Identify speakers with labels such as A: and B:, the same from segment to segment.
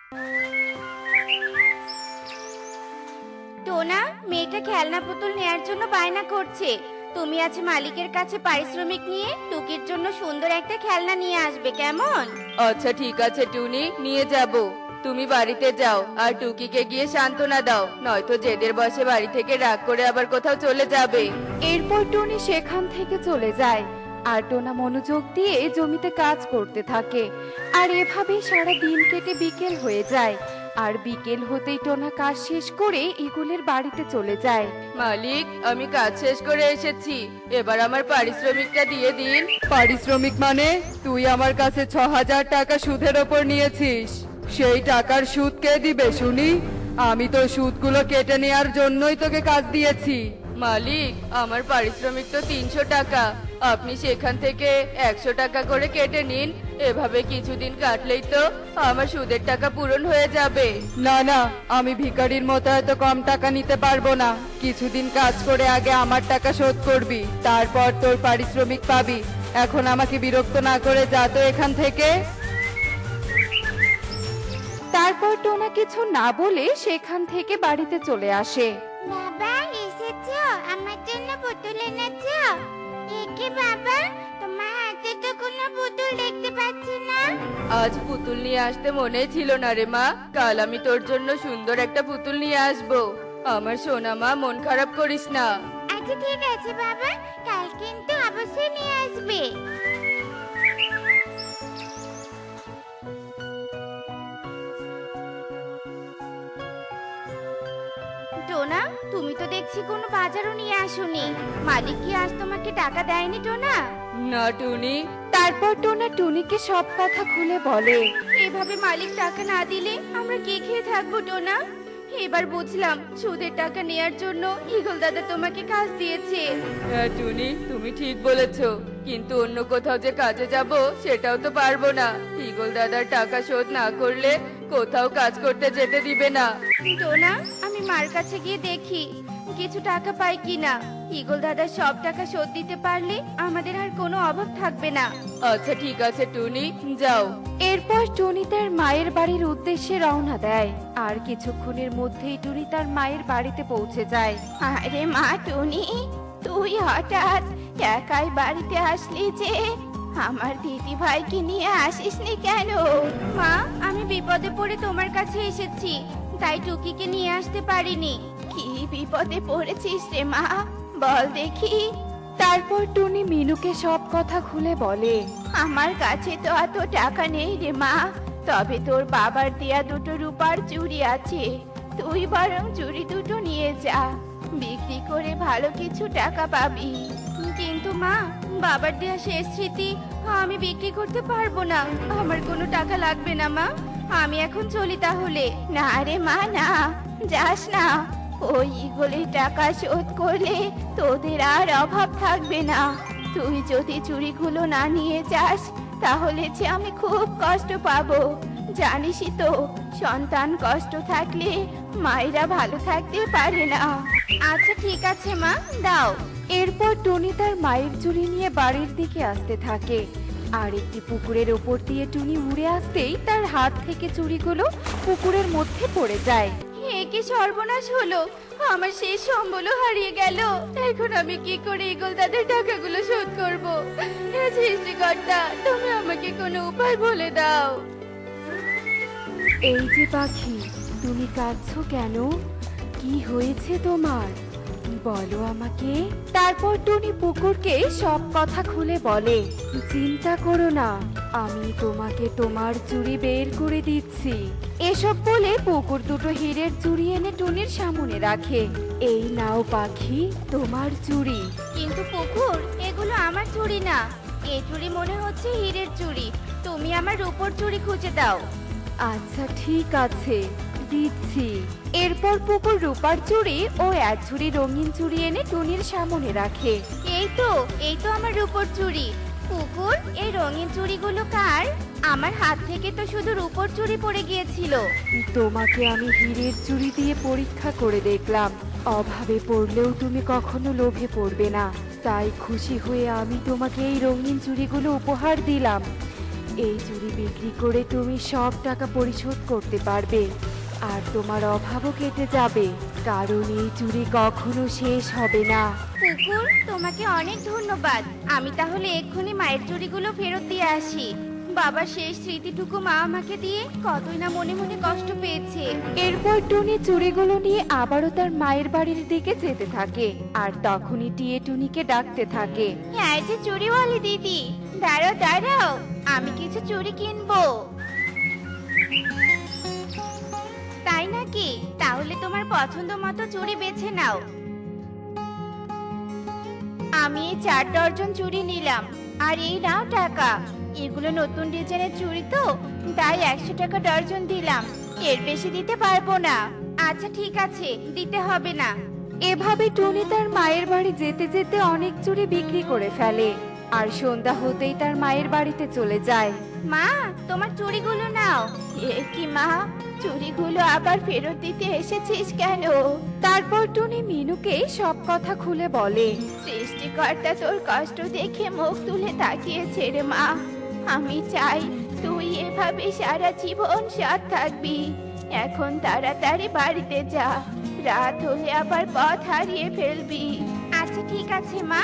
A: টোনা, মেয়েটা খেলনা পুতুল নেয়ার জন্য বায়না করছে। তুমি আজ মালিকের কাছে পারিশ্রমিক নিয়ে টুকির জন্য সুন্দর একটা খেলনা নিয়ে আসবে, কেমন?
B: আচ্ছা ঠিক আছে টুনি, নিয়ে যাব। তুমি বাড়িতে যাও আর টুকিকে গিয়ে সান্ত্বনা দাও, নয়তো জেদের বসে বাড়ি থেকে রাগ করে আবার কোথাও চলে যাবে।
C: এরপর টুনি সেখান থেকে চলে যায় আর টোনা মনোযোগ দিয়ে জমিতে কাজ করতে থাকে। আর এভাবেই সারা দিন কেটে বিকেল হয়ে যায়। আর বিকেল হতেই টোনা কাজ শেষ করে ইগলের বাড়িতে চলে যায়।
B: মালিক, আমি কাজ শেষ করে এসেছি, এবার আমার পারিশ্রমিকটা দিয়ে দিন।
D: পারিশ্রমিক মানে? তুই আমার কাছে 6,000 টাকা সুদের ওপর নিয়েছিস, সেই টাকার সুদ কে দিবে শুনি? আমি তো সুদগুলো কেটে নেওয়ার জন্যই তোকে কাজ দিয়েছি।
B: মালিক, আমার পারিশ্রমিক তো 300 টাকা, আপনি সেখান থেকে 100 টাকা করে কেটে নিন। এভাবে কিছুদিন কাটলেই তো আমার সুদের টাকা পূরণ হয়ে যাবে।
D: না না, আমি ভিখারির মতো এত কম টাকা নিতে পারবো না। কিছুদিন কাজ করে আগে আমার টাকা শোধ করবি, তারপর তোর পারিশ্রমিক পাবি। এখন আমাকে বিরক্ত না করে যা তো এখান থেকে।
C: তারপর টোনা কিছু না বলে সেখান থেকে বাড়িতে চলে আসে।
A: বাবা, এসেছো? আমার জন্য পুতুল এনেছো? একে বাবা, তোমার হাতে তো কোনো পুতুল দেখতে পাচ্ছি না।
B: আজ পুতুল নিয়ে আসতে মনে ছিল না রে মা, কাল আমি তোর জন্য সুন্দর একটা পুতুল নিয়ে আসবো। আমার সোনা মা, মন খারাপ করিস না।
A: আচ্ছা ঠিক আছে বাবা, কাল কিন্তু অবশ্যই নিয়ে আসবে। টোনা, তুমি তো দেখছি কোনো বাজারও নিয়ে আসোনি। মালিক কি আজ তোমাকে টাকা দেয়নি টোনা?
B: না টুনি।
C: তারপর টোনা টুনিকে সব কথা খুলে বলে।
A: এভাবে মালিক টাকা না দিলে আমরা কি খেয়ে থাকবো টোনা? এবার বুঝলাম সুদের টাকা নেয়ার জন্য ইগল দাদা তোমাকে কাজ দিয়েছে।
B: হ্যাঁ টুনি, তুমি ঠিক বলেছো, কিন্তু অন্য কোথাও যে কাজে যাব সেটাও তো পারবো না। ইগল দাদার টাকা শোধ না করলে কোথাও কাজ করতে যেতে দিবে না।
A: টোনা, আমি মার কাছে গিয়ে দেখি কিছু টাকা পাই কিনা। ইগল দাদা সব টাকা শোধ দিতে পারলে আমাদের আর কোনো অভাব থাকবে না।
B: আচ্ছা ঠিক আছে টুনি, যাও।
C: এরপর টুনি তার মায়ের বাড়ির উদ্দেশ্যে রওনা দেয়। আর কিছুক্ষণের মধ্যেই টুনি তার মায়ের বাড়িতে পৌঁছে যায়।
A: আরে মা টুনি, তুই হঠাৎ একাই বাড়িতে আসলি যে? আমার দিদি ভাইকে নিয়ে আসিসনি কেন? মা, আমি বিপদে পড়ে তোমার কাছে এসেছি, তাই টুকিকে নিয়ে আসতে পারিনি। কি বিপদে পড়েছিস রে মা, বল দেখি।
C: তারপর টুনি মিনুকে সব কথা খুলে বলে।
A: আমার কাছে তো এত টাকা নেই রে মা, তবে তোর বাবার দেয়া দুটো রূপার চুড়ি আছে। তুই বরং চুড়ি দুটো নিয়ে যা, বিক্রি করে ভালো কিছু টাকা পাবি। কিন্তু মা, বাবার দেয়া শেষ স্মৃতি আমি বিক্রি করতে পারবো না। আমার কোনো টাকা লাগবে না মা, আমি এখন চলি তাহলে। না রে মা, না, যাস না। ওই ইগলের টাকা শোধ করলে তোদের আর অভাব থাকবে না। তুই যদি চুড়িগুলো না নিয়ে যাস তাহলে যে আমি খুব কষ্ট পাবো। জানিসই তো, সন্তান কষ্ট থাকলে মায়েরা ভালো থাকতে পারে না। আচ্ছা ঠিক আছে মা, দাও।
C: এরপর টুনি তার মায়ের চুড়ি নিয়ে বাড়ির দিকে আসতে থাকে। আর একটি পুকুরের ওপর দিয়ে টুনি উড়ে আসতেই তার হাত থেকে চুড়িগুলো পুকুরের মধ্যে পড়ে যায়।
A: এ কি সর্বনাশ হলো, আমার সেই সম্বলও হারিয়ে গেল। এখন আমি কি করে ইগল দাদার টাকাগুলো শোধ করব? হে সৃষ্টিকর্তা, তুমি আমাকে কোনো উপায় বলে দাও।
C: এই যে পাখি, তুমি কাঁদছো কেন? কি হয়েছে তোমার? বলো আমাকে। তারপর টুনি পুকুরকে সব কথা খুলে বলে। চিন্তা করো না, আমি তোমাকে তোমার চুড়ি বের করে দিচ্ছি। এসব বলে পুকুর দুটো হীরের চুড়ি এনে টুনির সামনে রাখে। এই নাও পাখি, তোমার চুড়ি।
A: কিন্তু পুকুর, এগুলো আমার চুড়ি না। এই চুড়ি মনে হচ্ছে হীরের চুড়ি। তুমি আমার রূপোর চুড়ি খুঁজে দাও।
C: আচ্ছা ঠিক আছে, দিচ্ছি। এরপর পুকুর রূপার চুড়ি ও এক ঝুড়ি রঙিন চুড়ি এনে টুনির সামনে রাখে।
A: এই তো আমার রূপোর চুড়ি। পুকুর, এই রঙিন চুড়িগুলো কার? আমার হাত থেকে তো শুধু রূপোর চুড়ি পড়ে গিয়েছিল।
C: তোমাকে আমি হীরের চুড়ি দিয়ে পরীক্ষা করে দেখলাম, অভাবে পড়লেও তুমি কখনো লোভে পড়বে না। তাই খুশি হয়ে আমি তোমাকে এই রঙিন চুড়িগুলো উপহার দিলাম। এই চুড়ি বিক্রি করে তুমি সব টাকা পরিশোধ করতে পারবে আর তোমার অভাবও কেটে যাবে, কারণ এই চুড়ি কখনো শেষ হবে না।
A: পুকুর, তোমাকে অনেক ধন্যবাদ। আমি তাহলে এক্ষুনি মায়ের চুড়িগুলো ফেরত দিয়ে আসি। বাবার শেষ স্মৃতিটুকু মা আমাকে দিয়ে কতই না মনে মনে কষ্ট পেয়েছে।
C: এরপর টুনি চুড়িগুলো নিয়ে আবারও তার মায়ের বাড়ির দিকে যেতে থাকে আর তখনই টিয়ে টুনিকে ডাকতে থাকে।
A: হ্যাঁ, যে চুড়িওয়ালি দিদি, দাঁড়াও দাঁড়াও, আমি কিছু চুড়ি কিনবো। তাই নাকি? তাহলে তোমার পছন্দ মতো চুড়ি বেছে নাও। আমি এই 4 ডজন চুড়ি নিলাম, আর এই নাও টাকা। এগুলো নতুন ডিজাইনের চুড়ি তো, তাই 100 টাকা ডজন দিলাম। এর বেশি দিতে পারবো না। আচ্ছা ঠিক আছে, দিতে হবে না।
C: এভাবে টুনি তার মায়ের বাড়ি যেতে যেতে অনেক চুড়ি বিক্রি করে ফেলে আর সন্ধ্যা হতেই তার মায়ের বাড়িতে চলে যায়।
A: মা, তোমার চুড়িগুলো নাও। এ কি মা, চুড়িগুলো আবার ফেরত দিতে এসেছিস কেন?
C: তারপর টুনি মিনুকে সব কথা খুলে বলে।
A: সৃষ্টিকর্তা তোর কষ্ট দেখে মুখ তুলে তাকিয়েছে রে মা। আমি চাই তুই এভাবে সারা জীবন সৎ থাকবি। এখন তাড়াতাড়ি বাড়িতে যা, রাত হলে আবার পথ হারিয়ে ফেলবি। আচ্ছা ঠিক আছে মা।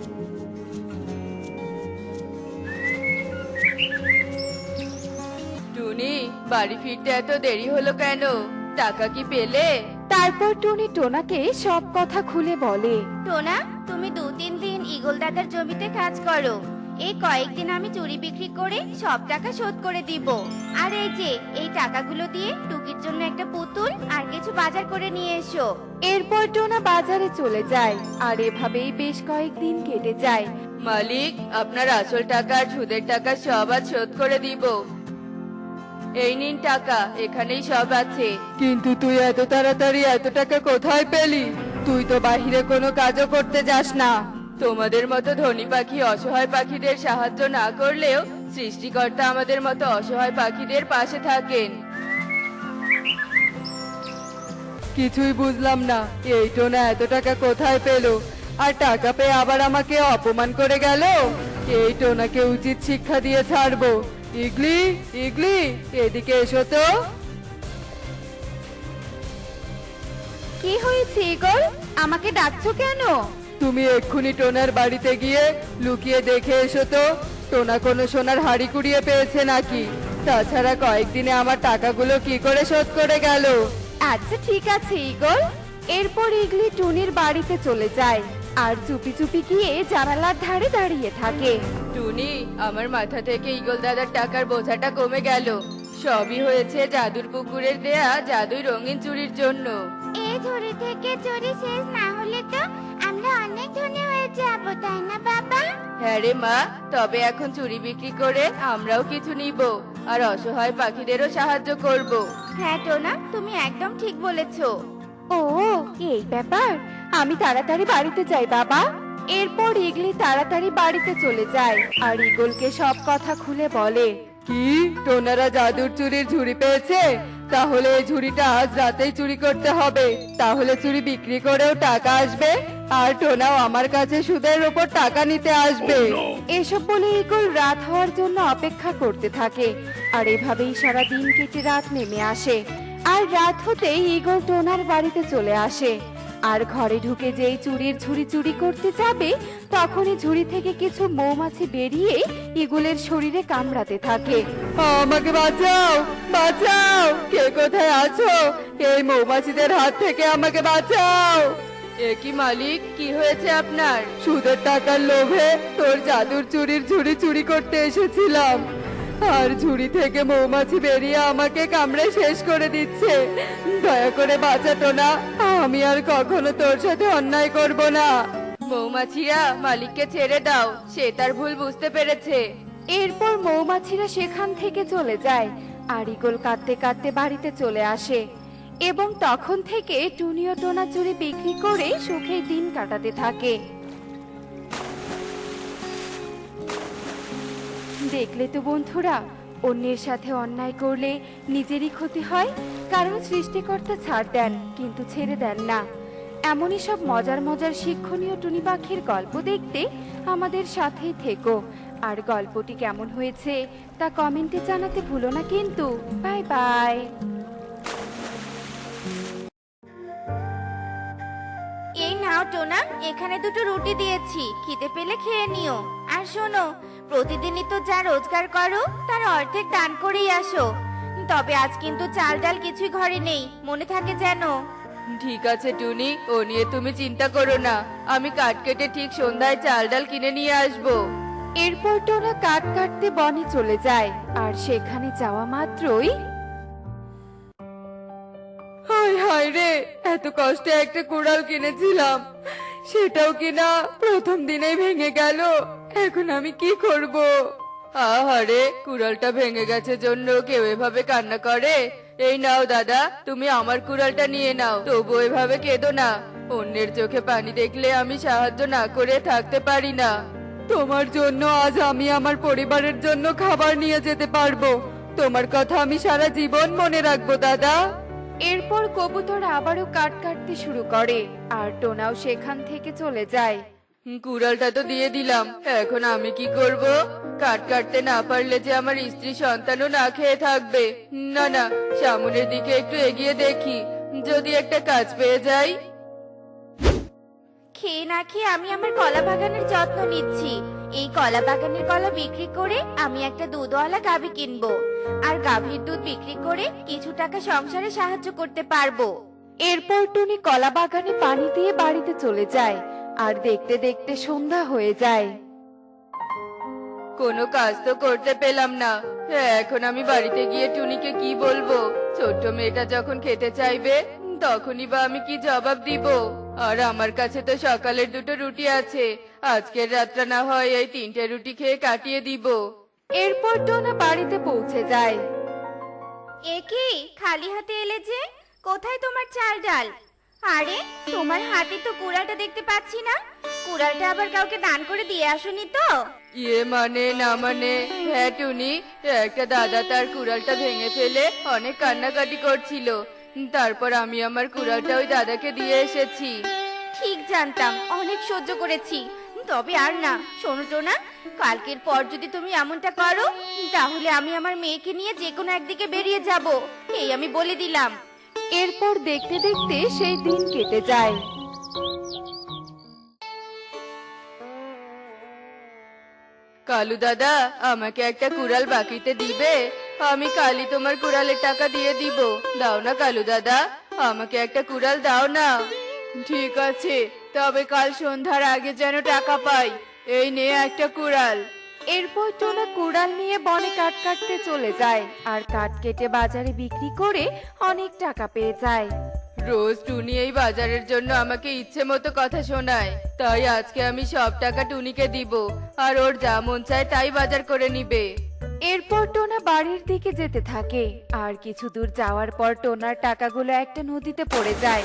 B: টুনি, বাড়ি ফিরতে এত দেরি হলো কেন? টাকা কি পেলে?
C: তারপর টুনি টোনাকে সব কথা খুলে বলে।
A: টোনা, তুমি 2-3 দিন ঈগল দাদার জমিতে কাজ করো। এই কয়েকদিন আমি চুরি বিক্রি করে সব টাকা শোধ করে দিব। আর এই যে এই টাকাগুলো দিয়ে টুকির জন্য একটা পুতুল আর কিছু বাজার করে নিয়ে এসো।
C: এরপর টোনা বাজারে চলে যায় আর এভাবেই বেশ কয়েকদিন কেটে যায়।
B: মালিক, আপনার আসল টাকা আর সুদের টাকা সব আজ শোধ করে দিব। এই নিন টাকা, এখানেই সব আছে।
D: কিন্তু তুই এত তাড়াতাড়ি এত টাকা কোথায় পেলি? তুই তো বাহিরে কোনো কাজও করতে যাস না।
B: তোমাদের মতো ধনী পাখি অসহায় পাখিদের সাহায্য না করলেও সৃষ্টিকর্তা আমাদের মতো অসহায় পাখিদের পাশে থাকেন।
D: কিছুই বুঝলাম না, এই টোনা এত টাকা কোথায় পেলো? আর টাকা পেয়ে আবার আমাকে অপমান করে গেল। এই টোনাকে উচিত শিক্ষা দিয়ে ছাড়বো। ইগলি, ইগলি, এদিকে এসো তো।
C: কি হয়েছে ঈগল? আমাকে ডাকছো কেন?
D: তুমি এক্ষুনি টোনার বাড়িতে গিয়ে লুকিয়ে দেখে এসো তো, টোনা কোনো সোনার হাড়ি কুড়িয়ে পেয়েছে নাকি। তাছাড়া কয়েকদিনে আমার টাকাগুলো কি করে শোধ করে গেল।
C: আচ্ছা ঠিক আছে ঈগল। এরপর ইগলি টুনির বাড়িতে চলে যায় আর চুপি চুপি গিয়ে জানালার ধারে দাঁড়িয়ে থাকে।
B: টুনি, আমার মাথা থেকে ঈগল দাদার টাকার বোঝাটা কমে গেল। সবই হয়েছে জাদুর পুকুরের দেয়া জাদুই রঙিন চুড়ির জন্য।
A: এই ঝুড়ি থেকে চুরি শেষ না হলে তো আমরা অনেক ধনী হয়ে যাব, তাই না বাবা?
B: হ্যাঁ রে মা, তবে এখন চুড়ি বিক্রি করে আমরাও কিছু নিব আর অসহায় পাখিদেরও সাহায্য করব।
A: হ্যাঁ টোনা, তুমি একদম ঠিক বলেছো।
C: ও, এই ব্যাপার। আমি তাড়াতাড়ি বাড়িতে যাই বাবা। এরপর ইগলি তাড়াতাড়ি বাড়িতে চলে যায় আর ঈগলকে সব কথা খুলে বলে।
D: কি, টোনারা জাদুর চুরির ঝুড়ি পেয়েছে? তাহলে এই ঝুড়িটা আজ রাতেই চুরি করতে হবে, তাহলে চুরি বিক্রি করেও টাকা আসবে আর টোনাও আমার কাছে সুদের উপর টাকা নিতে আসবে।
C: এসব বলে ঈগল রাত হওয়ার জন্য অপেক্ষা করতে থাকে আর এভাবেই সারা দিন কেটে রাত নেমে আসে। আর রাত হতেই ঈগল টোনার বাড়িতে চলে আসে আর ঘরে ঢুকে যেই চুরির ঝুড়ি চুরি করতে যাবে তখনই ঝুড়ি থেকে কিছু মৌমাছি বেরিয়ে ঈগলের শরীরে কামড়াতে থাকে।
D: আমাকে বাঁচাও, বাঁচাও, কে কোথায় আছো? এই মৌমাছিদের হাত থেকে আমাকে বাঁচাও।
B: এ কি মালিক, কি হয়েছে আপনার?
D: সুদের টাকার লোভে তোর জাদুর চুরির ঝুড়ি চুরি করতে এসেছিলাম, আর ঝুড়ি থেকে মৌমাছি বেরিয়ে আমাকে কামড়ে শেষ করে দিচ্ছে। দয়া করে বাঁচাতো না, আমি আর কখনো তোর সাথে অন্যায় করব না।
B: মৌমাছিরা, মালিককে ছেড়ে দাও, সে তার ভুল বুঝতে পেরেছে।
C: এরপর মৌমাছিরা সেখান থেকে চলে যায় আর ঈগল কাঁদতে কাঁদতে বাড়িতে চলে আসে এবং তখন থেকে টুনি ও টোনা চুরি বিক্রি করে সুখে দিন কাটাতে থাকে। দেখলে তো বন্ধুরা, অন্যের সাথে অন্যায় করলে নিজেরই ক্ষতি হয়, কারণ সৃষ্টিকর্তা ছাড় দেন কিন্তু ছেড়ে দেন না। এমনই সব মজার মজার শিক্ষণীয় টুনি পাখির গল্প দেখতে আমাদের সাথেই থেকো আর গল্পটি কেমন হয়েছে তা কমেন্টে জানাতে ভুলো না কিন্তু। Bye bye.
A: এই নাও টোনা, এখানে দুটো রুটি দিয়েছি, খিদে পেলে খেয়ে নিও। আর শোনো, প্রতিদিনই তো যা রোজগার করো তার অর্ধেক দান করেই আসো। তবে আজ কিন্তু চাল ডাল কিছুই ঘরে নেই, মনে থাকে যেন।
B: ঠিক আছে টুনি, ও নিয়ে তুমি চিন্তা করো না, আমি কাঠ কেটে ঠিক সন্ধ্যায় চাল ডাল কিনে নিয়ে আসবো।
C: এরপর টোনা কাঠ কাটতে বনে চলে যায়, আর সেখানে যাওয়া মাত্রই
B: হায় হায় রে, এত কষ্টে একটা কুড়াল কিনেছিলাম, সেটাও কিনা প্রথম দিনেই ভেঙে গেল। এখন আমি কি করব? আহারে, কুড়ালটা ভেঙে গেছে জন্য কেউ এভাবে কান্না করে? এই নাও দাদা, তুমি আমার কুড়ালটা নিয়ে নাও, তবু এভাবে কেঁদো না। অন্যের চোখে পানি দেখলে আমি সাহায্য না করে থাকতে পারি না। তোমার জন্য আজ আমি আমার পরিবারের জন্য খাবার নিয়ে যেতে পারবো। তোমার কথা আমি সারা জীবন মনে রাখবো দাদা।
C: এরপর কবুতর আবারও কাঠ কাটতে শুরু করে, আর টোনাও সেখান থেকে চলে যায়।
B: কুড়ালটা তো দিয়ে দিলাম, এখন আমি কি করব? কাট কাটতে না পারলে যে আমার স্ত্রী সন্তানও না খেয়ে থাকবে। না না, সামনের দিকে একটু এগিয়ে দেখি, যদি একটা কাজ পেয়ে যাই।
A: খেয়ে না খেয়ে আমি আমার কলা বাগানের যত্ন নিচ্ছি। এই কলা বাগানের কলা বিক্রি করে আমি একটা দুধওয়ালা গাভী কিনবো, আর গাভীর দুধ বিক্রি করে কিছু টাকা সংসারে সাহায্য করতে পারবো।
C: এরপর টুনি কলা বাগানে পানি দিয়ে বাড়িতে চলে যায়, আর দেখতে দেখতে সন্ধ্যা হয়ে যায়।
B: কোনো কাজ তো করতে পেলাম না, এখন আমি বাড়িতে গিয়ে টুনিকে কি বলবো? ছোট্ট মেয়েটা যখন খেতে চাইবে তখনই বা আমি কি জবাব দিব? আর আমার কাছে তো সকালের দুটো রুটি আছে, আজকের রাতটা না হয় এই 3টে রুটি খেয়ে কাটিয়ে দিব।
C: এরপর টোনা বাড়িতে পৌঁছে যায়।
A: এ কি, খালি হাতে এলে যে? কোথায় তোমার চাল ডাল? আরে, তোমার হাতে তো কুড়ালটা দেখতে পাচ্ছি না। কুড়ালটা আবার কাউকে দান করে দিয়ে আসোনি তো?
B: ইয়ে মানে না মানে, হ্যাঁ টুনি, একটা দাদা তার কুড়ালটা ভেঙে ফেলে অনেক কান্নাকাটি করছিল, তারপর আমি আমার কুড়ালটা ওই দাদাকে দিয়ে এসেছি।
A: ঠিক জানতাম, অনেক সহ্য করেছি, তবে আর না। শোনো টোনা, কালকের পর যদি তুমি এমনটা করো তাহলে আমি আমার মেয়েকে নিয়ে যে কোনো একদিকে বেরিয়ে যাব, এই আমি বলে দিলাম।
C: এরপর দেখতে দেখতে সেই দিন কেটে যায়।
B: কালু দাদা, আমাকে একটা কুড়াল বাকিতে দিবে? আমি কালই তোমার কুড়ালের টাকা দিয়ে দিব। দাও না কালু দাদা, আমাকে একটা কুড়াল দাও না। ঠিক আছে, তবে কাল সন্ধ্যার আগে যেন টাকা পাই। এই নে একটা কুড়াল।
C: এরপর টোনা কুড়াল নিয়ে বনে কাঠ কাটতে চলে যায়, আর কাঠ কেটে বাজারে বিক্রি করে অনেক টাকা পেয়ে যায়।
B: রোজ টুনি এই বাজারের জন্য আমাকে ইচ্ছে মতো কথা শোনায়, তাই আজকে আমি সব টাকা টুনিকে দিব, আর ওর যা মন চায় তাই বাজার করে নিবে।
C: এরপর টোনা বাড়ির দিকে যেতে থাকে, আর কিছু দূর যাওয়ার পর টোনার টাকাগুলো একটা নদীতে পড়ে যায়।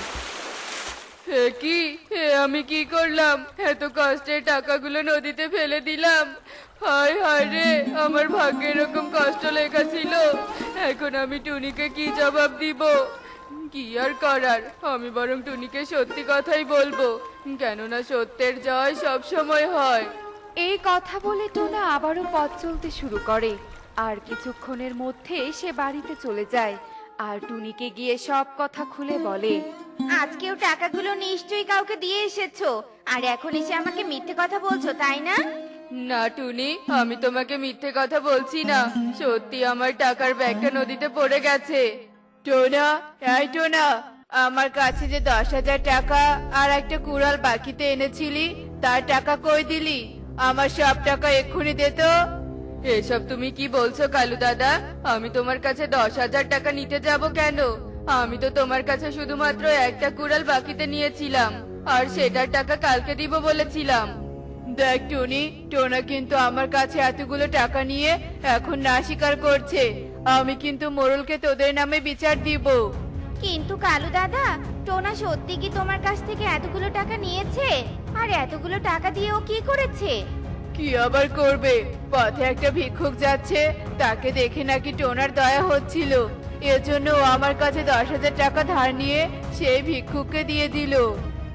B: হে কি, হে আমি কি করলাম? এত কষ্টের টাকাগুলো নদীতে ফেলে দিলাম। হায় হায় রে, আমার ভাগ্যে এরকম কষ্ট লেখা ছিল। এখন আমি টুনিকে কি জবাব দিব? কি আর করার, আমি বরং টুনিকে সত্যি কথাই বলবো, কেননা সত্যের জয় সব সময় হয়।
C: এই কথা বলে টোনা আবারও পথ চলতে শুরু করে, আর কিছুক্ষণের মধ্যে সে বাড়িতে চলে যায়, আর টুনিকে গিয়ে সব কথা খুলে বলে।
A: আজকেও টাকাগুলো নিশ্চয়ই কাউকে দিয়ে এসেছো, আর এখন এসে আমাকে মিথ্যে কথা বলছো, তাই না?
B: না টুনি, আমি তোমাকে মিথ্যে কথা বলছি না, সত্যি আমার টাকার ব্যাগটা নদীতে পড়ে গেছে। টোনা, এই টোনা, আমার কাছে যে 10,000 টাকা আর একটা কুড়াল বাকিতে এনেছিলি, তার টাকা কই দিলি? আমার সব টাকা এক্ষুনি দে তো। এসব তুমি কি বলছো কালু দাদা? আমি তোমার কাছে 10,000 টাকা নিতে যাব কেন? আমি তো তোমার কাছে শুধুমাত্র একটা কুড়াল বাকিতে নিয়েছিলাম, আর সেটার টাকা কালকে দিব বলেছিলাম। দেখ টুনি, টোনা কিন্তু আমার কাছে এতগুলো টাকা নিয়ে এখন না স্বীকার করছে। আমি কিন্তু মোড়লকে তোদের নামে বিচার দিব।
A: কিন্তু কালু দাদা, টোনা সত্যি কি তোমার কাছ থেকে এতগুলো টাকা নিয়েছে? আর এতগুলো টাকা দিয়ে ও কি করেছে?
B: কি আবার করবে, পথে একটা ভিক্ষুক যাচ্ছে, তাকে দেখে নাকি টোনার দয়া হচ্ছিল, এজন্য ও আমার কাছে 10,000 টাকা ধার নিয়ে সেই ভিক্ষুককে দিয়ে দিল।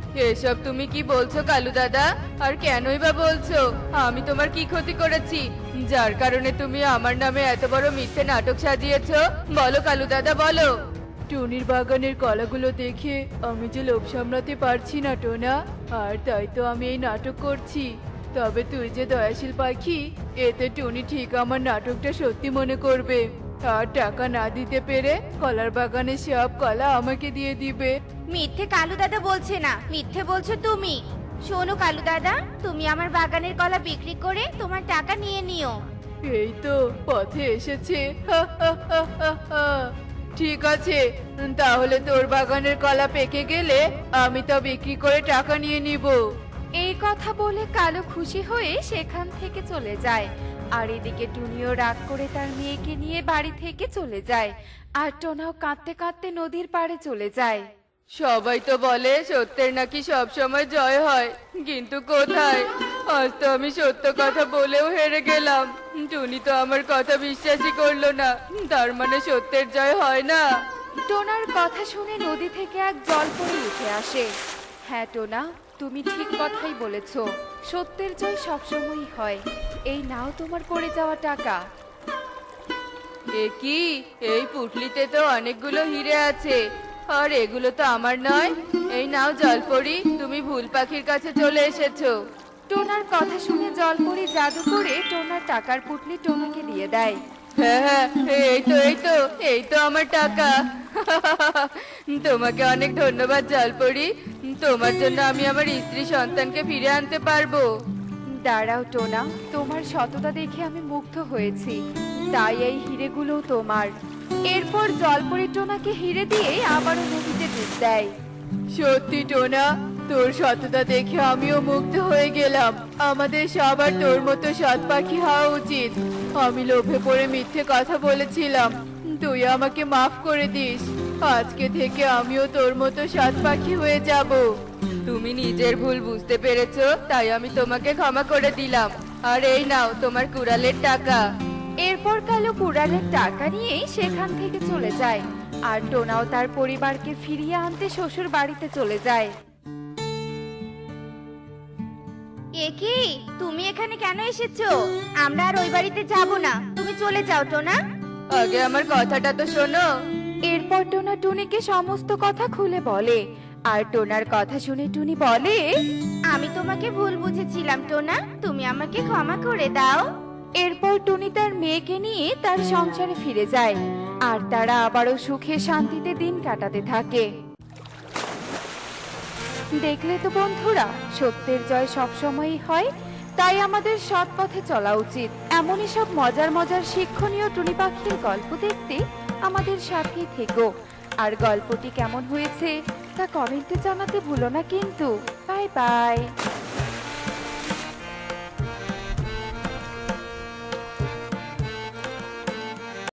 B: এসব তুমি কি বলছো কালু দাদা? আর কেনই বা বলছো? আমি তোমার কি ক্ষতি করেছি যার কারণে তুমি আমার নামে এত বড় মিথ্যে নাটক সাজিয়েছো? বলো কালু দাদা, বলো। টুনির বাগানের কলাগুলো দেখে আমি যে লোভ সামলাতে পারছি না টোনা, আর তাই তো আমি এই নাটক করছি। তবে তুই যে দয়াশীল পাখি, এতে টুনি ঠিক আমার নাটকটা সত্যি মনে করবে, আর টাকা না দিতে পেরে কলার বাগানের সব কলা আমাকে দিয়ে দিবে।
A: মিথ্যে কালু দাদা বলছে না, মিথ্যে বলছো তুমি। শোনো কালু দাদা, তুমি আমার বাগানের কলা বিক্রি করে তোমার টাকা নিয়ে নিও।
B: এই তো পথে এসেছে। হা, হা, হা, হা, হা। ঠিক আছে, তাহলে তোর বাগানের কলা পেকে গেলে আমি তা বিক্রি করে টাকা নিয়ে নিব।
C: এই কথা বলে কালো খুশি হয়ে সেখান থেকে চলে যায়। আর এদিকে টুনিও রাগ করে তার মেয়েকে নিয়ে বাড়ি থেকে চলে যায়। আর টোনাও কাঁদতে কাঁদতে নদীর পাড়ে চলে যায়।
B: সবাই তো বলে সত্যের নাকি সব সময় জয় হয়, কিন্তু কোথায়? আজ তো আমি সত্য কথা বলেও হেরে গেলাম। টুনি তো আমার কথা বিশ্বাসই করলো না, তার মানে সত্যের জয় হয় না।
C: টোনার কথা শুনে নদী থেকে এক জলপরি উঠে আসে। হ্যাঁ টোনা, তুমি ঠিক কথাই বলেছ, সত্যের জয় সবসময়ই হয়। এই নাও তোমার পড়ে যাওয়া টাকা।
B: এ কি? এই পুটলিতে তো অনেকগুলো হিরে আছে, আর এগুলো তো আমার নয়। এই নাও জলপরি, তুমি ভুল পাখির কাছে চলে এসেছো।
C: টোনার কথা শুনে জলপরি জাদু করে টোনার টাকার পুটলি টোনাকে দিয়ে দেয়।
B: হ্যাঁ হ্যাঁ, এই তো আমার টাকা। তোমাকে অনেক ধন্যবাদ জলপরি, তোমার জন্য আমি আমার স্ত্রী সন্তানকে ফিরে আনতে পারবো।
C: দাঁড়াও টোনা, তোমার সততা দেখে আমি মুগ্ধ হয়েছি, তাই এই হিরেগুলো তোমার। এরপর জলপরি টোনাকে হিরে দিয়ে আবারও নদীতে ডুব দেয়।
B: সত্যি টোনা, তোর সততা দেখে আমিও মুগ্ধ হয়ে গেলাম। আমাদের সবার তোর মতো সৎ পাখি হওয়া উচিত। আমি লোভে পড়ে মিথ্যে কথা বলেছিলাম, তুই আমাকে মাফ করে দিস। আজকে থেকে আমিও তোর মতো সৎ পাখি হয়ে যাব। তুমি নিজের ভুল বুঝতে পেরেছো, তাই আমি তোমাকে ক্ষমা করে দিলাম। আর এই নাও তোমার কুড়ালের টাকা।
C: এরপর কালো কুড়ালের টাকা নিয়ে সেখান থেকে চলে যায়। আর টোনাও তার পরিবারকে ফিরিয়ে আনতে শ্বশুর বাড়িতে চলে যায়।
A: এ কি, তুমি এখানে কেন এসেছো? আমরা আর ওই বাড়িতে যাব না, তুমি চলে যাও টোনা।
B: আগে আমার কথাটা তো শোনো।
C: এরপর টোনা টুনিকে সমস্ত কথা খুলে বলে। আর টোনার কথা শুনে টুনি বলে,
A: আমি তোমাকে ভুল বুঝেছিলাম টোনা, তুমি আমাকে ক্ষমা করে দাও।
C: এরপর টুনি তার মেয়েকে নিয়ে তার সংসারে ফিরে যায়। আর তারা আবারও সুখে শান্তিতে দিন কাটাতে থাকে। দেখলে তো বন্ধুরা, সত্যের জয় সবসময়ই হয়, তাই আমাদের সৎ পথে চলা উচিত। এমনই সব মজার মজার শিক্ষণীয় টুনি পাখির গল্প দেখতে আমাদের সাথেই থেকো। আর গল্পটি কেমন হয়েছে তা কমেন্টে জানাতে ভুলো না কিন্তু। Bye by.